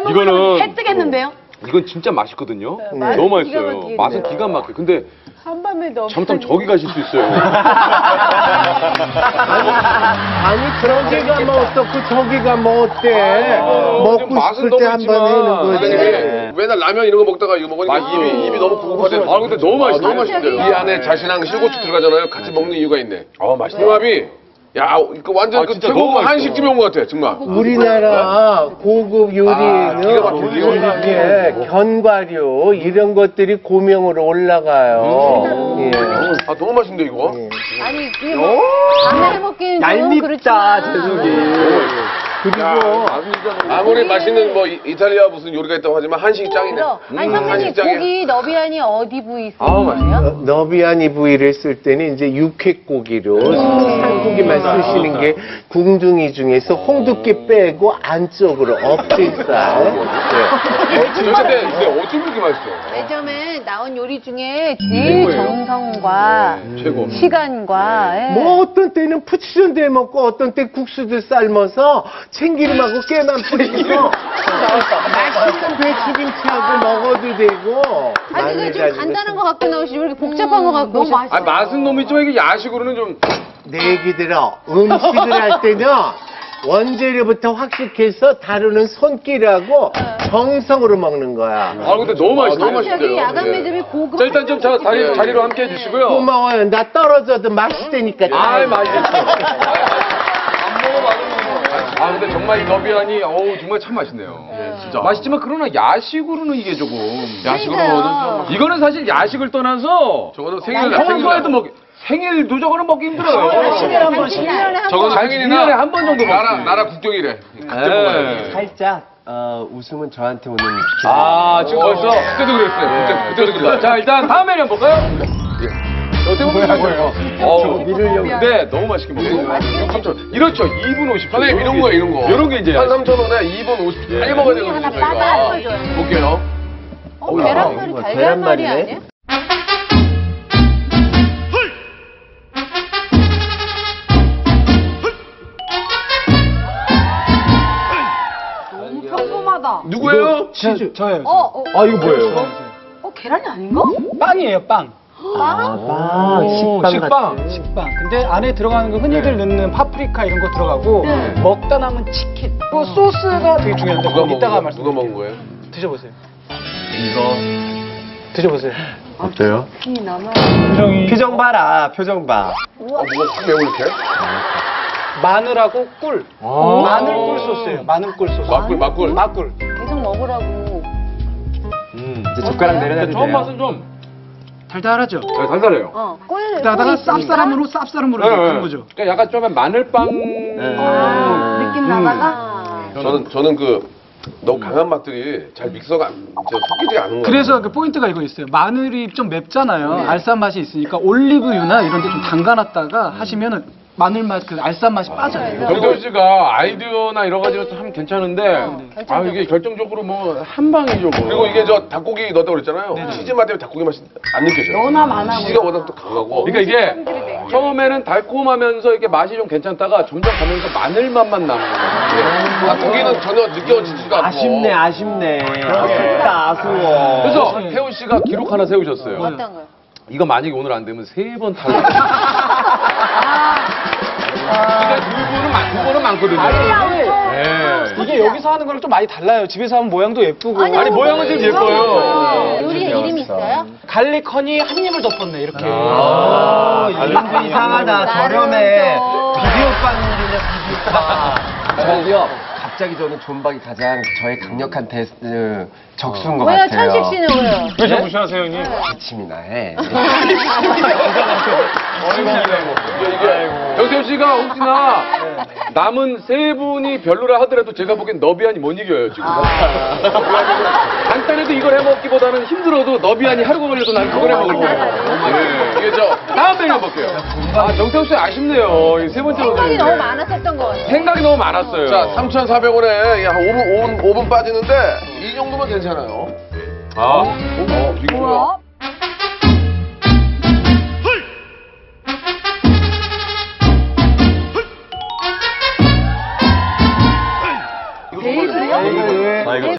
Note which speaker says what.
Speaker 1: 이거는
Speaker 2: 해 뜨겠는데요?
Speaker 1: 이건 진짜 맛있거든요.
Speaker 2: 네,
Speaker 1: 너무
Speaker 2: 기가
Speaker 1: 맛있어요.
Speaker 2: 막히겠네요.
Speaker 1: 맛은 기가 막혀. 근데
Speaker 2: 한밤에 넣어.
Speaker 1: 잘못하면 저기 가실 수 있어요.
Speaker 3: 아니 저기가 뭐 어떻고 저기가 뭐 어때? 먹고
Speaker 1: 맛은
Speaker 3: 싶을
Speaker 1: 너무
Speaker 3: 때 한 번 해는 거지.
Speaker 1: 있지만
Speaker 4: 맨날 라면 이런 거 먹다가 이거 먹으니까 입이 너무 고급하대.
Speaker 1: 아 근데 너무 맛있어요.
Speaker 4: 너무 맛있대요. 이 안에 자신랑 실고추 들어가잖아요. 같이 먹는 이유가 있네.
Speaker 1: 맛있네.
Speaker 4: 궁합이 야, 이거 완전 그
Speaker 1: 진짜
Speaker 4: 태국
Speaker 1: 너무 맛있어.
Speaker 4: 한식집에 온 것 같아, 정말.
Speaker 3: 우리나라 고급 요리에는 이렇게 견과류 이런 것들이 고명으로 올라가요. 예.
Speaker 4: 아, 너무 맛있는데, 이거?
Speaker 2: 아니 이게 뭐 밤에 먹기는 좀 그렇지만.
Speaker 3: 그리고
Speaker 4: 아무리 맛있는 뭐 이탈리아 무슨 요리가 있다고 하지만 한식이 짱이네.
Speaker 2: 그래서 아니 선배님
Speaker 4: 한식 짱이야.
Speaker 2: 고기 너비안이 어디 부위 쓰는
Speaker 1: 아우,
Speaker 2: 거예요?
Speaker 3: 너비아니 부위를 쓸 때는 이제 육회고기로 살고기만 쓰시는 게 궁둥이 중에서 홍두깨 빼고 안쪽으로 엎질살.
Speaker 4: 근데 어쩜 그렇게 맛있어?
Speaker 2: 매점에 나온 요리 중에 제일 정성과
Speaker 4: 최고.
Speaker 2: 시간과
Speaker 3: 뭐 어떤 때는 푸치전대 먹고 어떤 때 국수도 삶아서 참기름하고 깨만 뿌리고 맛있는 배추김치하고 먹어도 되고.
Speaker 2: 아니 그게 좀 간단한 거 갖고 나오시지 왜 이렇게 복잡한 거 갖고 오셨어요?
Speaker 1: 아 맛은 너무 있지만 이게 야식으로는 좀
Speaker 3: 내 얘기 들어. 음식을 할 때는 원재료부터 확식해서 다루는 손길하고 정성으로 먹는 거야.
Speaker 1: 근데 너무 맛있어.
Speaker 4: 너무
Speaker 2: 여기
Speaker 4: 맛있대요.
Speaker 2: 야간 매점이 고급.
Speaker 1: 자 일단 좀 자리로 함께 해주시고요.
Speaker 3: 고마워요. 나 떨어져도 맛있다니까.
Speaker 1: 맛있어. 근데 정말 이 너비안이 정말 참 맛있네요. 진짜 맛있지만 그러나 야식으로는 이게 조금
Speaker 2: 야식으로는 좀
Speaker 1: 이거는 사실 야식을 떠나서
Speaker 4: 저거는
Speaker 1: 평소에도 먹기 생일도 저거는 먹기 힘들어요.
Speaker 2: 1년에 한 번씩.
Speaker 4: 저거는
Speaker 1: 한 1년에 한 번 정도 먹지.
Speaker 4: 나라 국경이래.
Speaker 1: 네.
Speaker 5: 살짝 웃음은 저한테 오는
Speaker 1: 지금 벌써
Speaker 4: 그때도 그랬어요. 그때도 그랬어요.
Speaker 1: 자 일단 다음 메뉴 한번 볼까요? 어떻게 보면 거예요?
Speaker 5: 미르려고.
Speaker 1: 네, 너무 맛있게 먹어요. 3,000원. 이렇죠. 2분 50초.
Speaker 4: 선생님 이런 거야 이런 거.
Speaker 1: 이런 게 이제
Speaker 4: 한 3,000원에 2분 50초 빨리 먹어야 되거든요
Speaker 2: 하나
Speaker 4: 저희가.
Speaker 2: 빠져줘요.
Speaker 4: 볼게요.
Speaker 2: 계란말이 달걀말이 아니에요? 너무 평범하다.
Speaker 4: 누구예요?
Speaker 6: 저예요.
Speaker 1: 이거 뭐예요?
Speaker 2: 계란이 아닌가?
Speaker 6: 빵이에요, 빵.
Speaker 1: 식빵.
Speaker 6: 식빵. 근데 안에 들어가는 거 흔히들 넣는 파프리카 이런 거 들어가고 먹다 남은 치킨. 또 소스가 되게 중요한데 그거 이따가 말씀.
Speaker 4: 누가 먹은 거예요?
Speaker 6: 드셔보세요.
Speaker 5: 이거
Speaker 6: 드셔보세요.
Speaker 5: 어때요?
Speaker 2: 이 남아.
Speaker 5: 표정 봐라, 표정 봐.
Speaker 4: 뭐가 확 매워 이렇게?
Speaker 6: 마늘하고 꿀. 마늘 꿀 소스예요. 마늘 꿀 소스.
Speaker 4: 막꿀.
Speaker 6: 막꿀.
Speaker 2: 계속 먹으라고.
Speaker 5: 이제 젓가락 내려놔도
Speaker 1: 처음
Speaker 5: 돼요.
Speaker 1: 맛은 좀
Speaker 6: 달달하죠?
Speaker 1: 달달해요.
Speaker 2: 꿀.
Speaker 6: 그러다가
Speaker 2: 있으니까?
Speaker 6: 쌉싸름으로 하는 거죠.
Speaker 1: 그러니까 약간 좀 마늘빵.
Speaker 2: 느낌 나다가.
Speaker 4: 저는 그 너무 강한 맛들이 잘 믹서가 섞이지 않은 거예요.
Speaker 6: 그래서 그 포인트가 이거 있어요. 마늘이 좀 맵잖아요. 알싸한 맛이 있으니까 올리브유나 이런 데 좀 담가놨다가 하시면은 마늘 맛, 그 알싸한 맛이 빠져요.
Speaker 1: 정태호 씨가 아이디어나 여러 가지로 참 괜찮은데 이게 결정적으로 뭐 한 방이죠. 뭐.
Speaker 4: 그리고 이게 저 닭고기 넣었다고 그랬잖아요. 치즈 맛 때문에 닭고기 맛이 안 느껴져요.
Speaker 2: 너나 많아
Speaker 4: 치즈가 워낙 또 강하고.
Speaker 1: 그러니까 이게 처음에는 달콤하면서 이렇게 맛이 좀 괜찮다가 점점 가면서 마늘 맛만 나는 거예요.
Speaker 4: 닭고기는 전혀 느껴지지가 않고.
Speaker 5: 아쉽네. 아쉽다, 아쉬워.
Speaker 1: 그래서 태호 씨가 기록 하나 세우셨어요.
Speaker 2: 어떤 거요?
Speaker 1: 이거 만약에 오늘 안 되면 3번 탈락. 근데 두 번은 많거든요. 네.
Speaker 6: 이게 여기서 하는 거랑 좀 많이 달라요. 집에서 하면 모양도 예쁘고.
Speaker 1: 아니 모양은 좀 예뻐요.
Speaker 2: 요리 이름 있어요?
Speaker 6: 갈릭 허니 한 입을 덮었네, 이렇게.
Speaker 5: 이름도 이상하다, 저렴해. 비디오 빵이냐, 비디오 빵. 저기요, 갑자기 저는 존박이 가장 저의 강력한 적수인 것
Speaker 2: 왜요?
Speaker 5: 같아요.
Speaker 2: 천식 씨는 왜요?
Speaker 1: 왜 자꾸 무시하세요, 형님?
Speaker 5: 기침이나 해.
Speaker 1: 정태호 씨가 혹시나 남은 3분이 별로라 하더라도 제가 보기엔 너비안이 못 이겨요, 지금. 간단해도 이걸 해먹기보다는 힘들어도 너비안이 하루가 걸려도 난 그걸 해먹을 거예요.
Speaker 4: 이게 저
Speaker 1: 다음 메뉴 해볼게요. 정태호 씨 아쉽네요. 이 3번째로.
Speaker 2: 생각이 너무 많았었던 것 같아요.
Speaker 1: 생각이 너무 많았어요.
Speaker 4: 자, 3,400원에 한 5분 빠지는데 이 정도면 괜찮아요.
Speaker 1: 이거요?
Speaker 4: 뭐야?